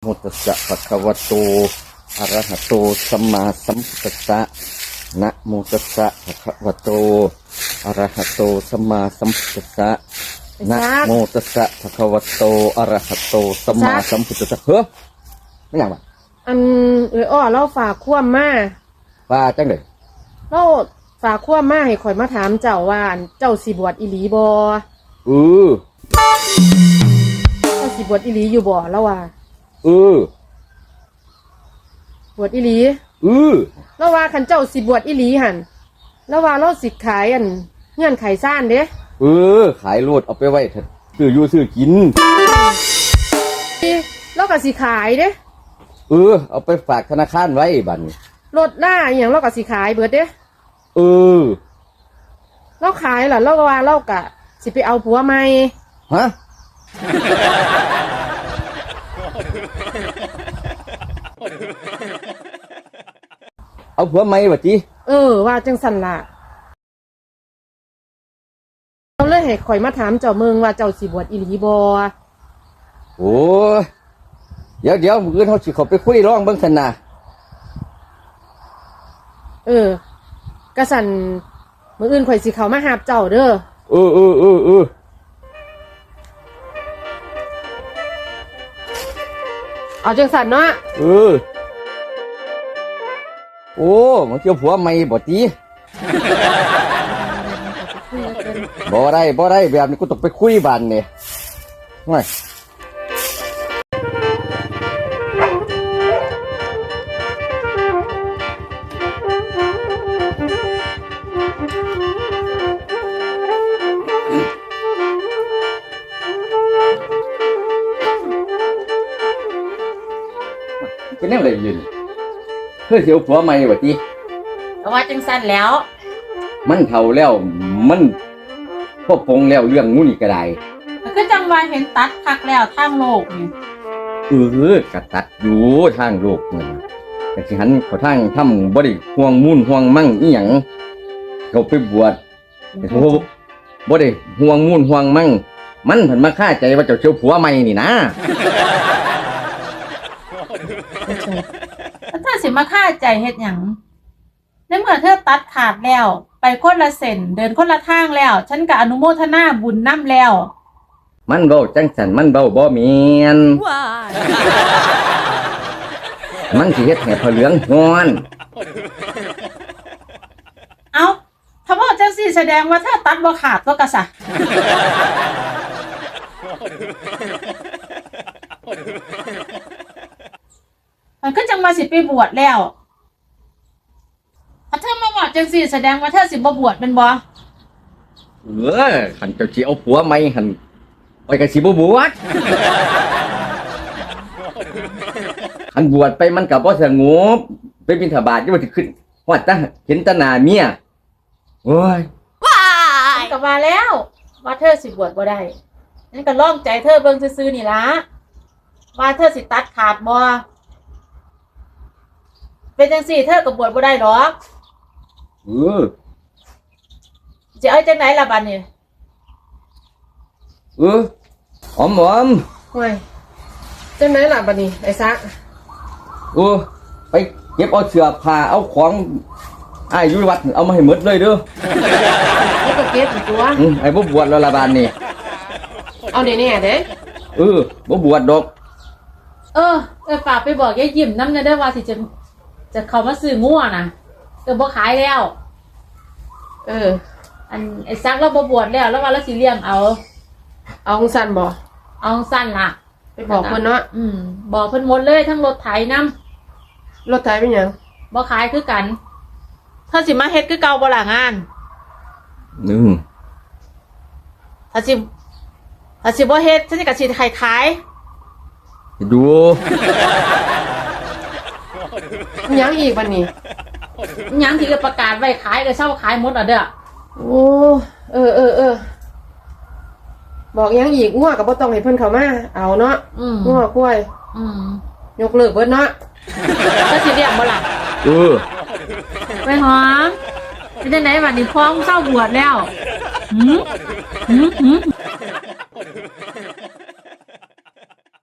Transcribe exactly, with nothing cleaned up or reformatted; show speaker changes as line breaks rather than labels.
ตัสสะภะคะวะโตอะระหะโตสัมมาสัมพุทธัสสะนะโมตัสสะภะคะวะโตอะระหะโตสัมมาสัมพุทธัสสะนะโมตัสสะภะคะวะโตอะระหะโตสัมมาสัมพุทธัสสะเฮ้อไม่อย่างวะ
อันเอออ้อเราฝากคว่ำมา
ว่าจังได๋
เราฝากคว่ำมาให้ข่อยมาถามเจ้าว่าเจ้าสิบวชอีหลีบ่
เออ
เจ้าสิบวชอีหลีอยู่บ่แล้วว่า
เอ
อบวชอีหลี
เออ
แล้วว่าคันเจ้าสิบวชอีหลีหั่นแล้วว่าเราสิขายอันเงื่อนไขซ่านเด้
เออขายโลดเอาไปไว้เถอะซื้ออยู่ซื้อกิน
เราก็สิขายเด้
เออเอาไปฝากธนาคารไว้บัดนี้
รถล่าอหย่างเราก็สิขายเบิดเด้
เออ
เราขายล่ะเราก็ว่าเราก็สิไปเอาผัวใหม่
ฮะเอาผัวใหม่บัดจิ
เออว่าจังสั่นล่ะเราเลยให้ข่อยมาถามเจ้าเมืองว่าเจ้าสิบวชอีหลีบ่
โอ้ยเดี๋ยวเดี๋ยวมื้ออื่นเฮาสิเข้าไปคุยร้องเบิ่งซั่นน่ะ
เออกะสั่นมื้ออื่นข่อยสิเข้ามาหาเจ้าเด้อ
เออเออเออเออ
เอาจังสั่นเนาะ
เออโอ้มันเกี่ยวผัวใหม่บ่ติบ่ได้บ่ได้แบบนี้กูต้องไปคุยบ้านนี่ห่วยเป็นแนวใดยืนเพื่อเสียวผัวใหม่บ่ติ
เพราะว่าจังซั่นแล้ว
มันเฒ่าแล้วมันพอปงแล้วเรื่องงูนี่ก็ได้
คือจังว่าเห็นตัดคักแล้วทางโลกนี่
เออกะตัดอยู่ทางโลกนี่แต่สิหันเขาทางทำบ่ได้ห่วงมุ่นห่วงมั่งอีหยังเขาไปบวชโอ้บ่ได้ห่วงมุ่นห่วงมั่งมันเพิ่นมาฆ่าใจว่าเจ้าเสียวผัวใหม่นี่นะ
เธอสิมาฆ่าใจเฮ็ดหยังในเมื่อเธอตัดขาดแล้วไปคนละเส้นเดินคนละทางแล้วฉันก็อนุโมทนาบุญนำแล้ว
มันเว้าจังซั่นมันเว้าบ่แม่นมันสิเฮ็ดให้พระเหลืองฮ้อน
เอ้าถ้าว่าจังซี่แสดงว่าเธอตัดบ่ขาดก็กะซะมันก็จังมาสิไปบวชแล้วถ้าเธอมาบวชจังสิแสดงว่าเธอสิบ่บวชเป็นบ่
เออคันเจ้าสิเอาผัวใหม่หั่นไปก็สิบ่บวชคันบวชไปมันก็บ่สงบไปบิณฑบาตอยู่ว่าสิขึ้นฮอดตาเห็นตาหน้าเมียโอ้ย
ว้ายก็ว่าแล้วว่าเธอสิบวชบ่ได้นั่นก็ลองใจเธอเบิ่งซื่อๆนี่ล่ะว่าเธอสิตัดขาดบ่เป็นจังซี่เธอก็บวชบ่ได้หรอก
เออ
จะเอาจังไหนล่ะบัดนี้
เออหอมหอม
โอ้ยจังไหนล่ะบัดนี้ไอ้ซัก
เออไปเก็บเอาเสื้อผ้าเอาของอ้ายอยู่วัดเอามาให้หมดเลยเด้อ
แล้วก็เก็บอีกตัว
อือไอ้บ่บวชแล้วล่ะบัดนี้
เอาแน่ๆเด้
เออบ่บวชดอก
เออเออฝากไปบอกยายยิ้มนำเด้อว่าสิจะจะเข้ามาซื้องัวน่ะเออบ่ขายแล้ว
เออ
อันไอ้ซักเราบ่บวชแล้วแล้วว่าเราสิเลี้ยงเอา
เอาสั้นบ่
เอาสั้นล่ะ
ไปบอกเพิ่นเนาะ
อืมบอกเพิ่นหมดเลยทั้งรถไถน
ำรถไถเป็นหยัง
บ่ขายคือกันถ้าสิมาเฮ็ดคือเก่าบ่ล่ะงาน
นึง
ถ้าสิถ้าสิบ่เฮ็ดฉันก็สิขายขาย
ดู
ยังอีกบัดนี้
ยังที่จะประกาศไว้ขายก็เช่าขายหมดอ่ะเด้อ
โอ้เออเออเออบอกยังอีกงัวก็บ่ต้องให้เพิ่นเข้ามาเอาเนาะงัวควาย
อืม
ยกเลิกเบิดเนาะ
ก็สิเรียกบ่ล่ะ
เออ
ไปหอมเป็นจังได๋บัดนี้พ้องเศร้าบวชแล้วหืมหืมหืม